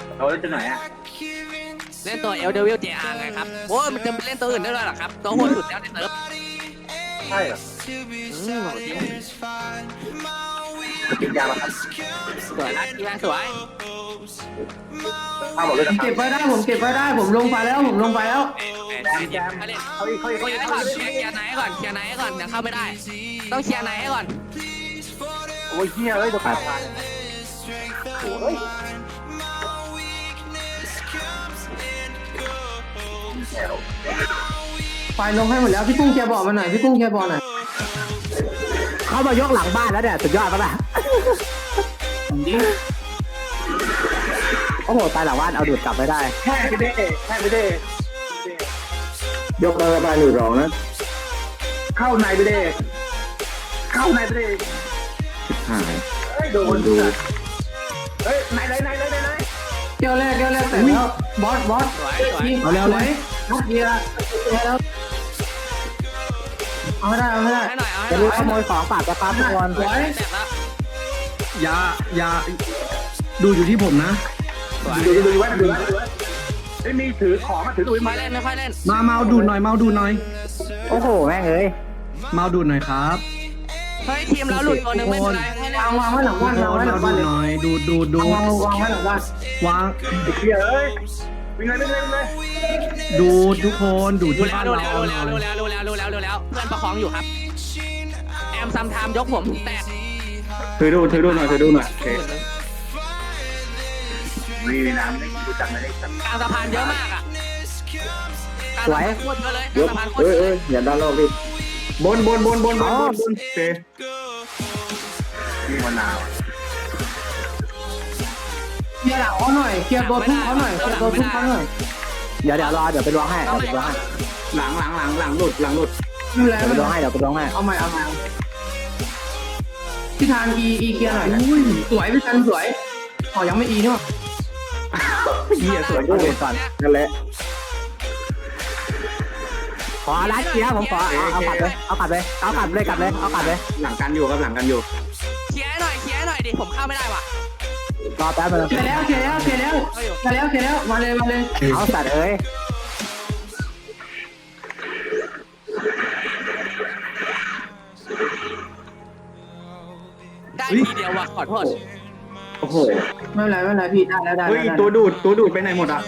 เราเล่นตัวไหนอ่ะเล่นตัวเอลเดวิลเจอาร์ไงครับโอ้ยมันจะไปเล่นตัวอื่นได้ด้วยหรอครับตัวโหดสุดแล้วในเซิร์ฟใช่เหรอกินยามาครับสวยนะทีมสวยข้าวหมดเลยนะเก็บไว้ได้ผมเก็บไว้ได้ผมลงไปแล้วผมลงไปแล้วแจมเขาเล่นเคลียร์ก่อนเคลียร์ไหนก่อนเคลียร์ไหนก่อนยังเข้าไม่ได้ต้องเคลียร์ไหนก่อนโอ้ยเฮียเอ้ยตัวขาดโอ้ยไฟลงให้หมดแล้วพี่กุ้งแกบอกมาหน่อยพี่กุ้งแกบอกหน่อยเขามายกหลังบ้านแล้วเนี่ยสุดยอดปะล่ะโอ้โหตายหลังบ้านเอาดูดกลับไม่ได้แค่ไปได้แค่ไปได้ยกหลังบ้านหลุดรองนะเข้าในไปได้เข้าในไปได้หายเฮ้ยโดนดูเฮ้ยไหนเกี่ยวแรกแต่แล้วบอสเอาเร็วเลยนักเดียวแล้วเอาไม่ได้ให้หน่อยเอาให้จะหน่รีอบ ยขโมยของฝากกระปั๊บทุกคนแตกแล้วอย่าดูอยู่ที่ผมนะดูไว้ไม่มีถือของมาถือดูไม่เล่นไม่ค่อยเล่นมาเมาดูหน่อยโอ้โหแม่งเอ้ยเมาดูหน่อยครับเฮ้ยทีมเราหลุดตัวนึงไม่เป็นไรให้เล่นวางไว้หลังบ้านวางไว้หลังบ้านหน่อยดูวางไว้หลังบ้านวางเฮียเอ้ยวิ่งเลยดูทุกคนดูที่บ้านเรารู้แล้วเพื่อนประคองอยู่ครับแอมซัมไทม์ยกผมแตกถือดูหน่อยมีน้ำดูจังเลยกลางสะพานเยอะมากอ่ะสวยโคตรเยอะเลยกลางสะพานโคตรเยอะอย่าดันเราดิบนเตะมีมะนาวเคลียร์หลังเขาหน่อยเคลียร์ตัวทุกเขาหน่อยเดี๋ยวรอเดี๋ยวไปล้วงให้หลังหลุดดูแลเดี๋ยวไปล้วงให้เอาใหม่พี่ทานอีเคลียร์หน่อยนะสวยพี่ทานสวยอ๋อยังไม่อีเนาะเหี้ยสวยก็เลยก่อนนั่นแหละขอรัดเกียร์ผมขอเอากลับเลยกลับเลยหลังกันอยู่ครับหลังกันอยู่เคลียร์หน่อยดิผมเข้าไม่ได้ว่ะรอแป๊บนึงเคลียร์แล้วมาเลยเอาสัตว์เอ้ยได้ทีเดียวว่ะขอโทษโอ้โหไม่เป็นไรพี่ได้เฮ้ยตัวดูดไปไหนหมดอ่ะ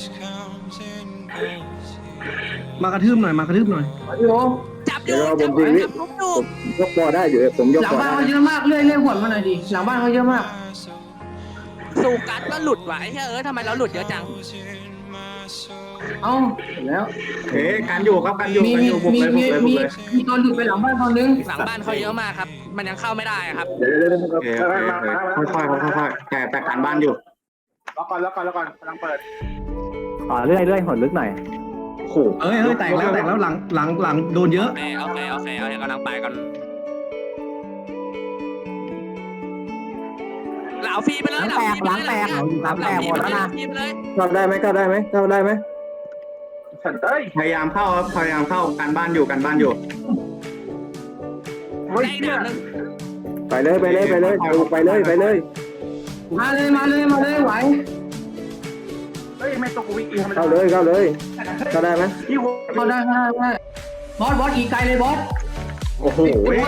มากระทืบหน่อยจับอยู่ผมดูยกบอได้อยู่ผมยกหลังบ้านเขาเยอะมากเลื่อยหัวมาหน่อยดิหลังบ้านเขาเยอะมากสูกัดก็หลุดว่ะไอ้เฮ้ยทำไมเราหลุดเยอะจังเอ้าแล้วเฮ้กันอยู่ครับกันอยู่บุกเลยมีตัวหลุดไปหลังบ้านคนนึงหลังบ้านเขาเยอะมากครับมันยังเข้าไม่ได้ครับค่อยแต่การบ้านอยู่แล้วก่อนกำลังเปิดเรื่อยหดลึกหน่อยโอ้โหเอ้ยแตกแล้วหลังโดนเยอะโอเคเอากำลังไปกันเหล่าฟรีไปเลยหลังแตกหมดแล้วนะเข้าได้ไหมพยายามเข้าครับการบ้านอยู่ไปเลยมาเลยไหวเฮ้ยไม่ตกกูวิ่งเข้าเลยเข้าได้ไหมเข้าได้บอสอีกไกลเลยบอสโอ้โห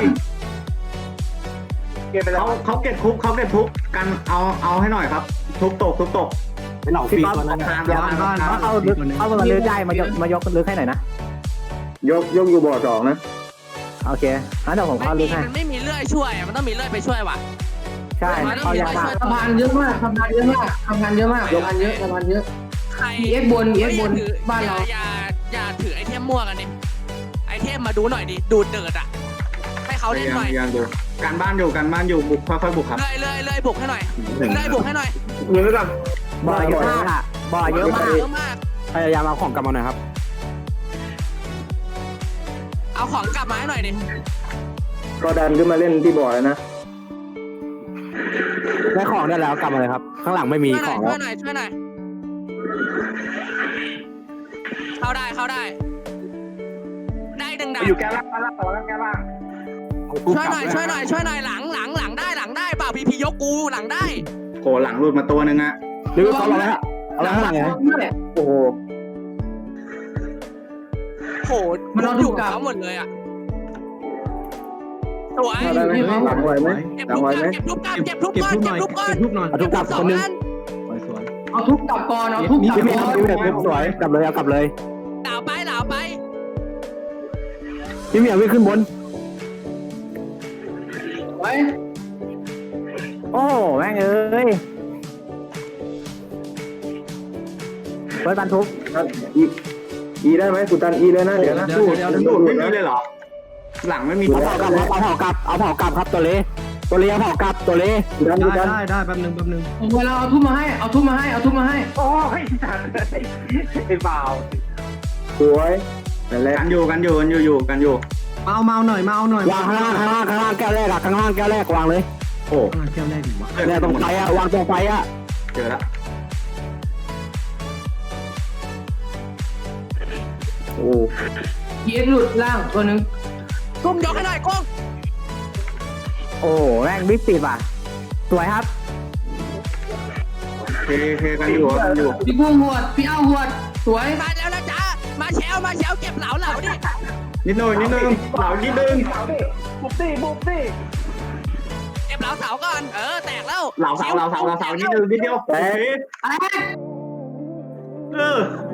เขาเก็บคุกกันเอาให้หน่อยครับทุบตกเป็นเหล่าฟีตัวนั้นเอามาเลือกได้มายกเลือกให้หน่อยนะยกอยู่บ่อสองนะโอเคงั้นเดี๋ยวผมเข้าเลือกให้มันไม่มีเลื่อยช่วยมันต้องมีเลื่อยไปช่วยว่ะใช่เขาอยากทำงานเยอะมากเอ็กบนบ้านเราอย่าถือไอเทมมั่วกันดิไอเทมมาดูหน่อยดิดูดเดือดอ่ะให้เขาเล่นหน่อยการบ้านอยู่บุกค่อยๆบุกครับเลยบุกให้หน่อยเงินกันบ่อเยอะมากพยายามเอาของกลับมาหน่อยครับเอาของกลับมาให้หน่อยดิก็ดันขึ้นมาเล่นที่บ่อแล้วนะได้ของได้แล้วกลับมาเลยครับข้างหลังไม่มีของแล้วช่วยหน่อยเข้าได้ดึงดาบอยู่แก้ล่างช่วยหน่อยหลังได้เปล่าพียกกูหลังได้ผอ้หลังหลุดมาตัวนึงอะหรือเขาอะไรฮะอะไรข้างหลังไงโอ้โหโหมันอยู่กับเขาหมดเลยอ่ะสวยได้ไหมหลังไหวไหมเก็บหลังทุบไหวก่อนไหมเก็บทุบก่อนเก็บทุบเก็บก่อนทุบหน่เก็อบ ยทุบก่อนเก็บทุบหน่อยเอาทุบกลับสอคงนนึงอันสวยเอาทุบกลับก่อนเอาทุบกลับพี่เมก่ย์อนพี่เมย์สวยกลับเลยเอากลับเลยเหลาไปเหลาไปพี่เมย์วิ่งขึ้นบนไว้โอ้แม่งเอ้ยเปิดตันทุบอีได้ไหมกูตันอีเลยนะเดี๋ยวนะสู้ไม่มีเลยเหรอหลังไม่มีเอาเผากลับเอาเผากลับครับตัวเละเอาเผากลับตัวเละได้แป๊บนึงเวลาเอาทุบมาให้เอาทุบมาให้เอาทุบมาให้โอ้ยจัดไอ้เปล่าสวยกันอยู่กันอยู่มาเอาหน่อยวางข้างล่างแก้วแรกอะข้างล่างแก้วแรกวางเลยโอ้แก้วแรกดีวะเนี่ยตรงไฟอะวางตรงไฟอะเจอแล้วโอ้พีเอ็กหลุดล่างตัวนึงกุ้งยกให้หน่อยกุ้งโอ้แม่งบิ๊กติดว่ะสวยครับเคกันอยู่พี่กุ้งหวดพี่เอ้าหวดสวยมาแล้วนะจ๊ะมาแชวเก็บเหลาดินิดนึงเหล่านิดนึงเก็บเหลาเสาก่อนแตกแล้วเหล่าเสานิดนึงนิดเดียวโอเคอะไรเออ